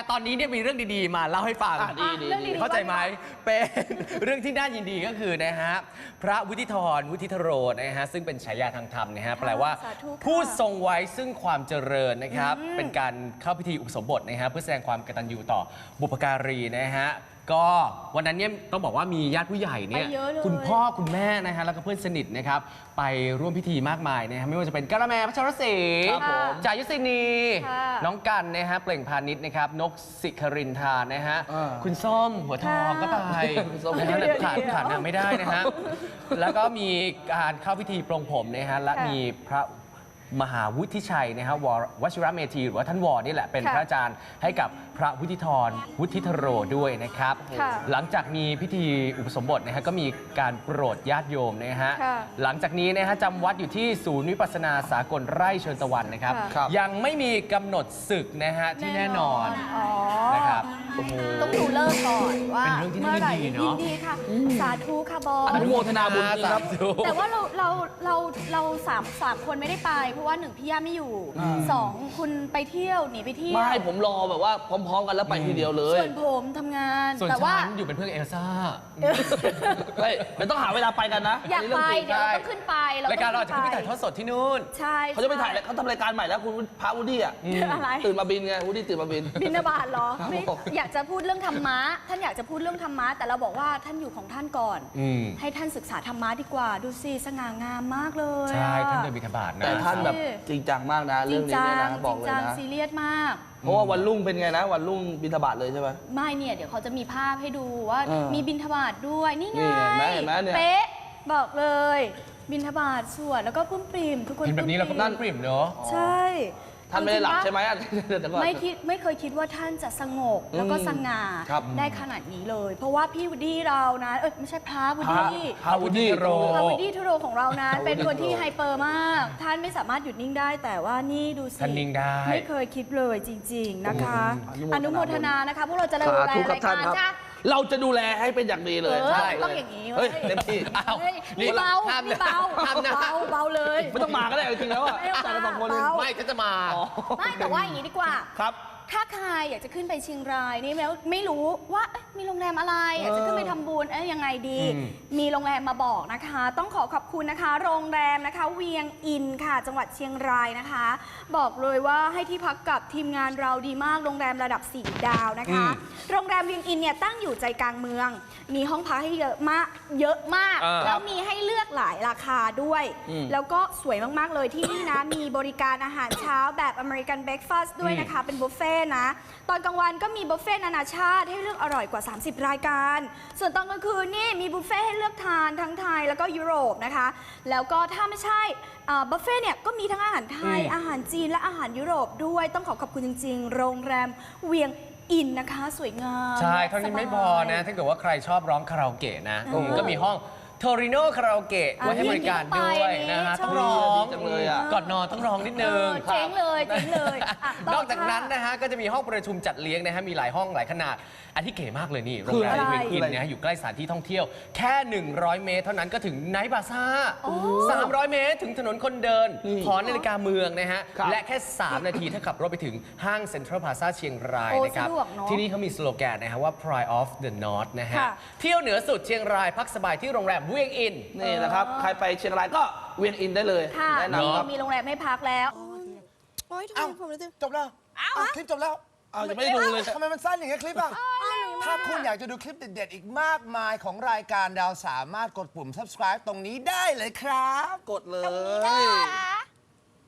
ตอนนี้เนี่ยมีเรื่องดีๆมาเล่าให้ฟังดีเข้าใจไหมเป็นเรื่องที่น่ายินดีก็คือนะฮะพระวุฒิธรวุฒิธโรนะฮะซึ่งเป็นฉายาทางธรรมนะฮะแปลว่าผู้ทรงไว้ซึ่งความเจริญนะครับเป็นการเข้าพิธีอุปสมบทนะฮะเพื่อแสดงความกตัญญูต่อบุพการีนะฮะก็วันนั้นเนี่ยต้องบอกว่ามีญาติผู้ใหญ่เนี่ยคุณพ่อคุณแม่นะฮะแล้วก็เพื่อนสนิทนะครับไปร่วมพิธีมากมายนะฮะไม่ว่าจะเป็นกะละแมพัชรศรีจ่ายุสินีน้องกันนะฮะเปล่งพาณิชย์นะครับนกสิครินทานะฮะคุณส้มหัวทองก็ไปขาดนางไม่ได้นะฮะแล้วก็มีการเข้าพิธีปลงผมนะฮะและมีพระมหาวุฒิชัยนะฮะวชิรเมธีหรือว่าท่านวอนี่แหละเป็นพระอาจารย์ให้กับพระวุฒิธรวุฒิธโรด้วยนะครับหลังจากมีพิธีอุปสมบทนะฮะก็มีการโปรดญาติโยมนะฮะหลังจากนี้นะฮะจำวัดอยู่ที่ศูนย์วิปัสสนาสากลไร่เชิญตะวันนะครับยังไม่มีกำหนดศึกนะฮะที่แน่นอนนะครับต้องดูเลิกก่อนว่าเป็นเรื่องที่น่ายินดีเนาะยินดีค่ะสาธุค่ะบอสอนุโมทนาบุญครับแต่ว่าเราสามคนไม่ได้ไปเพราะว่าหนึ่งพี่ย่าไม่อยู่สองคุณไปเที่ยวหนีไปเที่ยวไม่ผมรอแบบว่าพร้อมๆกันแล้วไปทีเดียวเลยส่วนผมทำงานส่วนแต่ว่าฉันอยู่เป็นเพื่อนเอลซ่าไม่ต้องหาเวลาไปกันนะอยากไปเดี๋ยวเราต้องขึ้นไปรายการเราจะขึ้นไปถ่ายทอดสดที่นู่นใช่เขาจะไปถ่ายเขาทำรายการใหม่แล้วคุณพระวูดดี้อ่ะตื่นมาบินไงวูดดี้ตื่นมาบินบาตเหรออยากจะพูดเรื่องธรรมะท่านอยากจะพูดเรื่องธรรมะแต่เราบอกว่าท่านอยู่ของท่านก่อนให้ท่านศึกษาธรรมะดีกว่าดูสิสง่างามมากเลยใช่ท่านเดินบิณฑบาตนะแต่ท่านแบบจริงจังมากนะเรื่องนี้เนี่ยนะบอกเลยนะซีเรียสมากเพราะว่าวันรุ่งเป็นไงนะวันรุ่งบิณฑบาตเลยใช่ไหมไม่เนี่ยเดี๋ยวเขาจะมีภาพให้ดูว่ามีบิณฑบาตด้วยนี่ไงเห็นไหมเนี่ยเป๊ะบอกเลยบิณฑบาตสวดแล้วก็ปุ้มปริ่มทุกคนเห็นแบบนี้เราก็นั่นปริ่มเนาะใช่ท่านไม่ได้หลับใช่ไหมไม่เคยคิดว่าท่านจะสงบแล้วก็สง่าได้ขนาดนี้เลย เพราะว่าพี่วูดดี้เรานะไม่ใช่พระวูดดี้พระวูดดี้ทโรของเรานะเป็นคนที่ไฮเปอร์มากท่านไม่สามารถหยุดนิ่งได้แต่ว่านี่ดูสิท่านนิ่งได้ไม่เคยคิดเลยจริงๆนะคะอนุโมทนานะคะพวกเราจะดูแลรายการจ้าเราจะดูแลให้เป็นอย่างดีเลยใช่ต้องอย่างนี้เฮ้ยเต็มที่นี่เบาเบาเลยไม่ต้องมาก็ได้จริงแล้วอ่ะแต่ละสองคนไม่จะมาไม่แต่ว่าอย่างนี้ดีกว่าครับถ้าใครอยากจะขึ้นไปเชียงรายนี่แล้วไม่รู้ว่ามีโรงแรมอะไรอยากจะขึ้นไปทำบุญยังไงดีมีโรงแรมมาบอกนะคะต้องขอบคุณนะคะโรงแรมนะคะเวียงอินค่ะจังหวัดเชียงรายนะคะบอกเลยว่าให้ที่พักกับทีมงานเราดีมากโรงแรมระดับ4 ดาวนะคะโรงแรมเวียงอินเนี่ยตั้งอยู่ใจกลางเมืองมีห้องพักให้เยอะมากแล้วมีให้เลือกหลายราคาด้วยแล้วก็สวยมากๆเลยที่นี่นะมีบริการอาหารเช้าแบบอเมริกันเบรคฟาสต์ด้วยนะคะเป็นบุฟเฟ่นะตอนกลางวันก็มีบุฟเฟ่นานาชาติให้เลือกอร่อยกว่า30รายการส่วนตอนกลางคืนนี่มีบุฟเฟ่ให้เลือกทานทั้งไทยแล้วก็ยุโรปนะคะแล้วก็ถ้าไม่ใช่บุฟเฟ่เนี่ยก็มีทั้งอาหารไทยอาหารจีนและอาหารยุโรปด้วยต้องขอบคุณจริงๆโรงแรมเวียงอินนะคะสวยงามใช่เท่านี้ไม่พอนะถ้าเกิดว่าใครชอบร้องคาราโอเกะนะก็มีห้องโทริโนคาราโอเกะไว้ให้บริการด้วยนะฮะต้องร้องก่อนนอนต้องร้องนิดนึงเจ๋งเลยนอกจากนั้นนะฮะก็จะมีห้องประชุมจัดเลี้ยงนะฮะมีหลายห้องหลายขนาดอันที่เก๋มากเลยนี่โรงแรมเวียงอินนะอยู่ใกล้สถานที่ท่องเที่ยวแค่100 เมตรเท่านั้นก็ถึงไนท์บาซ่า300 เมตรถึงถนนคนเดินหอนาฬิกาเมืองนะฮะและแค่3 นาทีถ้าขับรถไปถึงห้างเซ็นทรัลพลาซ่าเชียงรายนะครับที่นี่เขามีสโลแกนนะฮะว่า Pride of the North นะฮะเที่ยวเหนือสุดเชียงรายพักสบายที่โรงแรมเวียงอินนี่นะครับใครไปเชียงรายก็เวียงอินได้เลยแนะนำครับมีโรงแรมให้พักแล้วจบแล้วคลิปจบแล้วยังไม่ได้ดูเลยทำไมมันสั้นอย่างเงี้ยคลิปอ่ะถ้าคุณอยากจะดูคลิปเด็ดๆอีกมากมายของรายการดาวสามารถกดปุ่ม subscribe ตรงนี้ได้เลยครับกดเลย